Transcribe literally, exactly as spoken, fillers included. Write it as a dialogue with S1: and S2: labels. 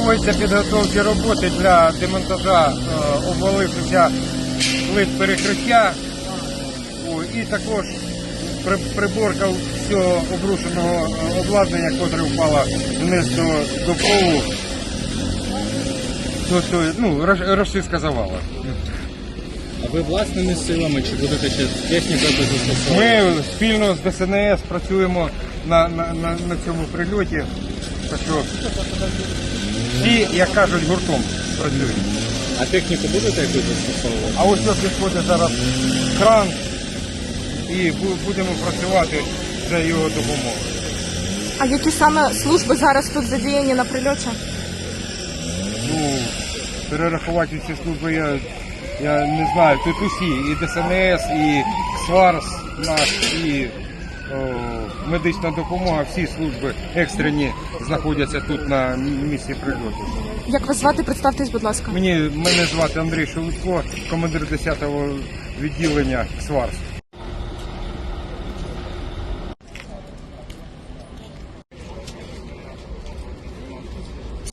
S1: проводяться підготовчі роботи для демонтажа е, обвалившихся плит перекриття. О, і також при, приборка всього обрушеного е, обладнання, яке впало вниз до, до полу. Тобто, ну, розчистка завала.
S2: А ви власними силами чи будете ще технікою застосовувати?
S1: Ми спільно з Де Ес En Ес працюємо на, на, на, на цьому прильоті. Так що всі, як кажуть, гуртом працюють.
S2: А техніку будете якусь застосовувати?
S1: А ось ось підходить зараз кран і бу- будемо працювати за його допомогою.
S3: А які саме служби зараз тут задіяні на прильоті?
S1: Ну, перерахувати ці служби я, я не знаю. Тут усі, і Де Ес Ен Ес, і КСВАРС наш, і о, медична допомога, всі служби екстрені знаходяться тут на місці прильоту.
S3: Як вас звати? Представтесь, будь ласка.
S1: Мені, мене звати Андрій Шелудько, командир десятого відділення КСВАРС.